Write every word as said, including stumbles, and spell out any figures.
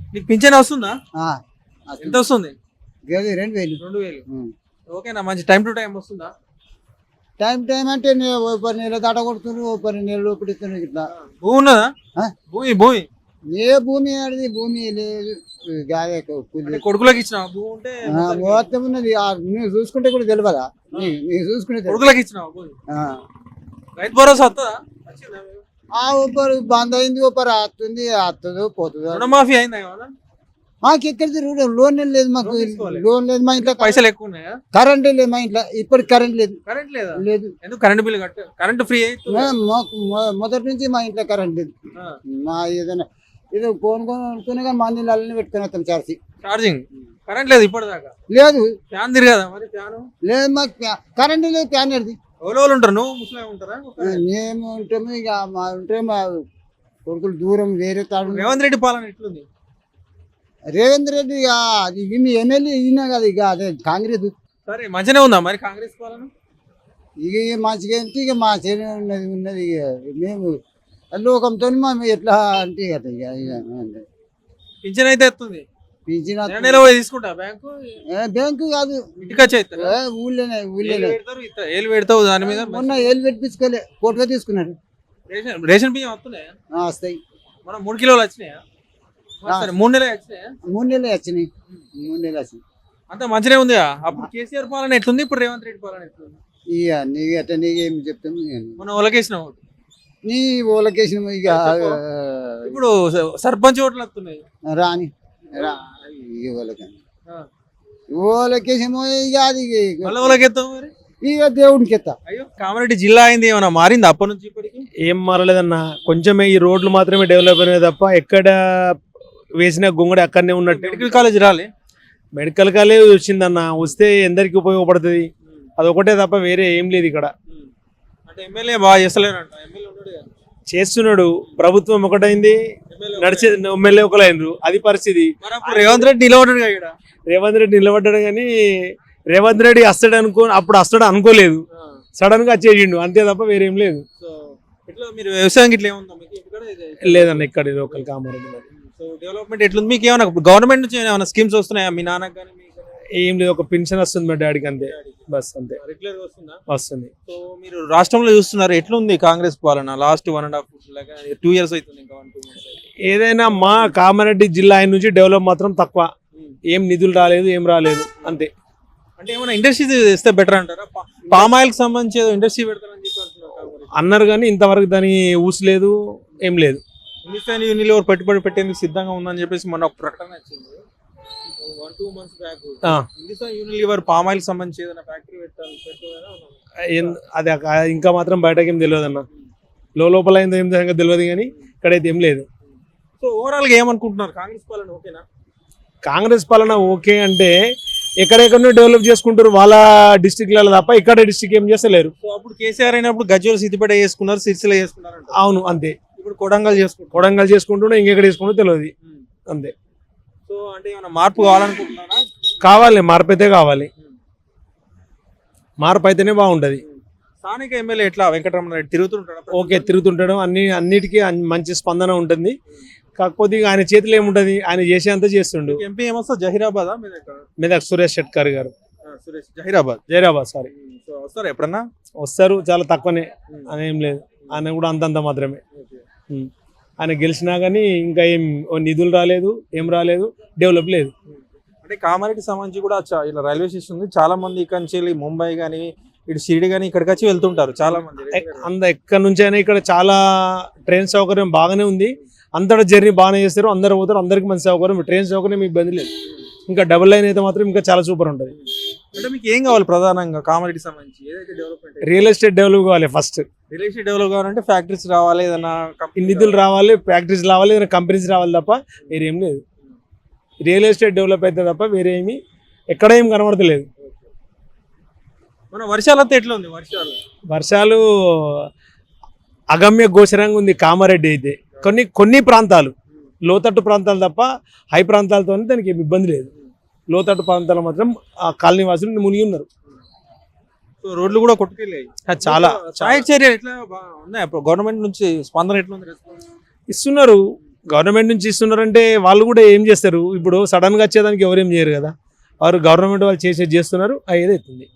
నీకు పింఛన్ వస్తుందా? ఆ, ఎంత వస్తుంది? గది రెండు వేలు రెండు వేలు. ఉం. ఓకేనా, మంచి టైం టు టైం వస్తుందా? టైం టైం అంటే నే- ఓ పది నెలలు దాట కొడుతున్నారు, ఓ పది నెలలు పిడుతున్నారు ఇట్లా. భూమి ఉన్నదా? ఆ? భూమి భూమి ఏ భూమి ఆడిది భూమి లేదు. గాదే కూలి. అంటే కొడుకులకు ఇచ్చిన భూమి ఉంటే ఆ, మొత్తానికి మొత్తం ఉన్నది. ఆ, నువ్వు చూసుకుంటే కూడా తెలియదా? నీ- నీవు చూసుకుంటే తెలియదు. కొడుకులకు ఇచ్చిన భూమి. ఆ. రైతు భరోసా వస్తుందా? వచ్చిందా? ఆ ఒప్పరు బంద్ అయింది, ఒప్పరు వస్తుంది, వస్తుందో పోతుందో. రుణమాఫీ అయిందా ఏమన్నా? మాకు ఎక్కడిది రూఢ- లోన్ లేదు, మాకు లోన్ తీసుకోవాలి. లోన్ లేదు మా ఇంట్లో. పైసలు ఎక్కువ ఉన్నాయా? కరెంట్ లేదు మా ఇంట్లో, ఇప్పటికి కరెంట్ లేదు. కరెంట్ లేదా? లేదు. ఎందుకు కరెంట్ బిల్లు కట్ట కరెంట్ ఫ్రీ అయితే మా- మాకు మొ- మొదటి నుంచి మా ఇంట్లో కరెంట్ లేదు. మా ఏదైనా ఏదో ఫోన్ కొనుక్కునే కానీ మా నీళ్ళని పెట్టుకుని వస్తాం చార్జీ. ఛార్జింగ్ కరెంట్ లేదు ఇప్పటిదాకా. లేదు ఫ్యాన్ తిరగదా మరి? ఫ్యాన్ లేదు మాకు ప్యా- కరెంట్ లేదు, ఫ్యాన్ లేదు. ఎవరో వాళ్ళు ఉంటారు, నువ్వు ముస్లిం ఉంటారా? మేము ఉంటాము ఇక మా ఉంటే మా కొడుకులు దూరం వేరే తాడు. రేవంత్ రెడ్డి పాలన ఎట్లుంది? రేవంత్ రెడ్డి ఇక అది మీ ఎమ్మెల్యే ఈయన కదా, ఇక అదే కాంగ్రెస్. సరే మంచిగానే ఉందా మరి కాంగ్రెస్ పాలన? ఇక మంచిగా అంటే ఇక మా చేనే ఉన్నది ఉన్నది ఇక మేము లోకంతో మేము ఎట్లా అంటే ఇక ఇక ఇక అంతే. పింఛన్ అయితే ఎత్తుంది. పింఛన్ నెల నెల పోయి తీసుకుంటా బ్యాంకు ఏ బ్యాంకు కాదు, ఇంటికి వచ్చి ఇస్తారా? ఏ ఊళ్ళోనే ఏలు ఊళ్ళోనే. పెడతారు, ఇస్తా- ఏలు పెడతావు దాని మీద. మొన్న ఏళ్ళు పెట్టించుకోలే, కోట్గా తీసుకున్నాడు. రేషన్ రేషన్ బియ్యం వస్తున్నాయా? ఆ, వస్తాయి. మనం మూడు కిలోలు వచ్చినాయా? సరే మూడు నెలలు వచ్చినాయా? మూడు నెలలు వచ్చినాయి, మూడు నెలలు వచ్చినాయి. అంతా మంచిగా ఉంది. అప్పుడు కేసీఆర్ పాలన ఎట్లుంది, ఇప్పుడు రేవంత్ రెడ్డి పాలన ఎట్లుంది? ఇక నీకు ఎట్లా నీకేం చెప్తాము ఇక. మనం ఒలకేసిన ఓటు. నీ ఓలకేసిన ఇక ఇప్పుడు సర్పంచ్ ఓట్లు వస్తున్నాయి. రాని రా ఇక ఓలకని ఆ. ఓలకేసేమో ఇక అది ఇక- మళ్ళీ ఒలకెత్తాం మరి. ఇక దేవుడికి ఎత్తా. అయ్యో కామారెడ్డి జిల్లా అయింది, ఏమైనా మారింది అప్పటి నుంచి ఇప్పటికి? ఏం మారలేదన్న, కొంచెమే ఈ రోడ్లు మాత్రమే డెవలప్ అయినాయి తప్ప ఎక్కడ వేసిన గొంగడి అక్కడనే ఉన్నట్టు. మెడికల్ కాలేజ్ రాలే? మెడికల్ కాలేజ్ వచ్చిందన్న, వస్తే ఎందరికి ఉపయోగపడుతుంది, అదొకటే తప్ప వేరే ఏం లేదు ఇక్కడ. అంటే ఎమ్మెల్యే బాగా చేస్తలేరంట. ఎమ్మెల్యే ఉన్నాడు కదా. చేస్తున్నాడు, ప్రభుత్వం ఒకటైంది, నడిచే ఎమ్మెల్యే ఒకలైనరు, అది పరిస్థితి. మరి అప్పుడు రేవంత్ రెడ్డి నిలబడ్డాడు కదా ఈడ. రేవంత్ రెడ్డి నిలబడ్డాడు కానీ రేవంత్ రెడ్డి వస్తాడు అనుకో అప్పుడు వస్తాడు అనుకోలేదు, సడన్ గా వచ్చేసిండు, అంతే తప్ప వేరేం లేదు. సో ఇట్లా మీరు వ్యవసాయం ఇట్లా ఏముందా మీకు ఇక్కడ? ఇది- లేదన్న ఇక్కడ లోకల్ కామారెడ్డి మరి. సో డెవలప్మెంట్ ఎట్లుంది మీకు? ఏమైనా గవర్నమెంట్ నుంచి ఏమైనా స్కీమ్స్ వస్తున్నాయా మీ నాన్నకు కానీ మీకు? ఏం లేదు, ఒక పెన్షన్ వస్తుంది మా డాడీకి, అంతే బస్, అంతే రెగ్యులర్ గా వస్తుందా? వస్తుంది. సో మీరు రాష్ట్రంలో చూస్తున్నారు ఎట్లుంది కాంగ్రెస్ పాలన? Last one and half two years అవుతుంది, ఇంకా వన్ టూ మంత్స్. ఏదైనా మా కామారెడ్డి జిల్లా ఆయన నుంచి డెవలప్ మాత్రం తక్కువ, ఏం నిధులు రాలేదు, ఏం రాలేదు, అంతే. అంటే ఏమైనా ఇండస్ట్రీ ఇస్తే బెటర్ అంటారా? పామ్ ఆయిల్ కి సంబంధించి ఏదో ఇండస్ట్రీ పెడతారని చెప్పి అంటున్నారు కాంగ్రెస్. అన్నారు కానీ ఇంతవరకు దాని ఊసలేదు, ఏం లేదు. హిందుస్థాన్ యూనిలివర్ పెట్టుబడి పెట్టేందుకు సిద్ధంగా ఉందని చెప్పేసి మొన్న ఒక ప్రకటన వచ్చింది వన్ టూ మంత్స్ బ్యాక్. ఆ, హిందుస్థాన్ యూనిలివర్ పామ్ ఆయిల్ సంబంధించి ఏదైనా ఫ్యాక్టరీ పెట్టాలి పెట్టుకోవాలని ఏం- అది ఆ- ఇంకా మాత్రం బయటకి ఏం తెలియదు అన్న, లోపల ఏందో ఏం జరగదో తెలియదు కానీ ఇక్కడైతే ఏం లేదు. సో ఓవరాల్ గా ఏమనుకుంటున్నారు? కాంగ్రెస్ పాలన ఓకేనా? కాంగ్రెస్ పాలన ఓకే అంటే ఎక్కడెక్కడో డెవలప్ చేసుకుంటారు వాళ్ళ డిస్టిక్లలో తప్ప ఇక్కడ డిస్టిక్ ఏం చేస్తలేరు. సో అప్పుడు కేసీఆర్ అయినప్పుడు గజ్వేల్ సిద్దిపేట చేసుకున్నారు, సిరిసిల్ల చేసుకున్నారు అంట. అవును, అంతే. ఇప్పుడు కొడంగల్ చేసుకుంటారు. కొడంగల్ చేసుకుంటున్నా, ఇంకెక్కడ చేసుకుంటూ తెలియదు, అంతే. సో అంటే ఏమైనా మార్పు కావాలనుకుంటున్నారా? కావాలి, మార్పు అయితే కావాలి, మార్పు అయితేనే బాగుంటది. స్థానిక ఎమ్మెల్యే ఎట్లా వెంకటరమణ రెడ్డి తిరుగుతుంటాడు? ఓకే, తిరుగుతుండడం అన్ని అన్నిటికీ అన్- మంచి స్పందన ఉంటుంది. కాకపోతే ఇక ఆయన చేతిలో ఏముంటది, ఆయన చేసేంత చేస్తుండు. ఎంపీ ఏమొస్తా? జహీరాబాద్ మెదక్ సురేష్ షెట్కర్ గారు, సురేష్ జహీరాబాద్. జైరాబాద్ సారీ. సో వస్తారు ఎప్పుడన్నా? వస్తారు, చాలా తక్కువనే, అని ఏం లేదు, ఆయన కూడా అంతంత మాత్రమే. ఉం. ఆయన గెలిచినా కానీ ఇంకా ఏం ఓ నిధులు రాలేదు, ఏం రాలేదు, డెవలప్ లేదు. అంటే కామారెడ్డి సంబంధించి కూడా చా- ఇలా రైల్వే స్టేషన్ ఉంది, చాలా మంది ఇక్కడ నుంచి వెళ్ళి ముంబై కానీ ఇటు షిరిడి కానీ ఇక్కడికి వచ్చి వెళ్తుంటారు చాలా మంది. ఎక్- అంద ఎక్కడి నుంచి అయినా ఇక్కడ చాలా ట్రైన్ సౌకర్యం బాగానే ఉంది, అంతటా జర్నీ బాగానే చేస్తారు, అందరు పోతారు, అందరికి మంచి సౌకర్యం, ట్రైన్ సౌకర్యం ఇబ్బంది లేదు. ఇంకా డబుల్ లైన్ అయితే మాత్రం ఇంకా చాలా సూపర్ ఉంటుంది. అంటే మీకు ఏం కావాలి ప్రధానంగా కామారెడ్డి సంబంధించి? ఏదైతే డెవలప్మెంట్ రియల్ ఎస్టేట్ డెవలప్ కావాలి ఫస్ట్, రియల్ ఎస్టేట్ డెవలప్ కావాలంటే ఫ్యాక్టరీస్ రావాలి, ఏదైనా ఈ నిధులు రావాలి, ఫ్యాక్టరీస్ రావాలి, ఏదైనా కంపెనీస్ రావాలి తప్ప వేరేం లేదు. రియల్ ఎస్టేట్ డెవలప్ అయితే తప్ప వేరే ఏమి ఎక్కడ ఏం కనబడతలేదు. మన వర్షాలంతా ఎట్లా ఉంది? వర్షాలు వర్షాలు అగమ్య గోచరంగా ఉంది కామారెడ్డి అయితే. కొన్ని కొన్ని ప్రాంతాలు, లోతట్టు ప్రాంతాలు తప్ప హై ప్రాంతాలతో దానికి ఏమి ఇబ్బంది లేదు. లోతట్టు ప్రాంతాలు మాత్రం ఆ కాలనీ వాసులు మునిగి ఉన్నారు. సో రోడ్లు కూడా కొట్టుకెళ్ళాయి చాలా సహాయక చర్యలు ఎట్లా బా- ఉన్నాయి? గవర్నమెంట్ నుంచి స్పందన ఎట్లా ఉంది? రెస్పాన్స్? ఇస్తున్నారు, గవర్నమెంట్ నుంచి ఇస్తున్నారంటే వాళ్ళు కూడా ఏం చేస్తారు, ఇప్పుడు సడన్గా వచ్చేదానికి ఎవరేం చేయరు కదా, వారు గవర్నమెంట్ వాళ్ళు చేసేది చేస్తున్నారు, అయ్యేది అవుతుంది.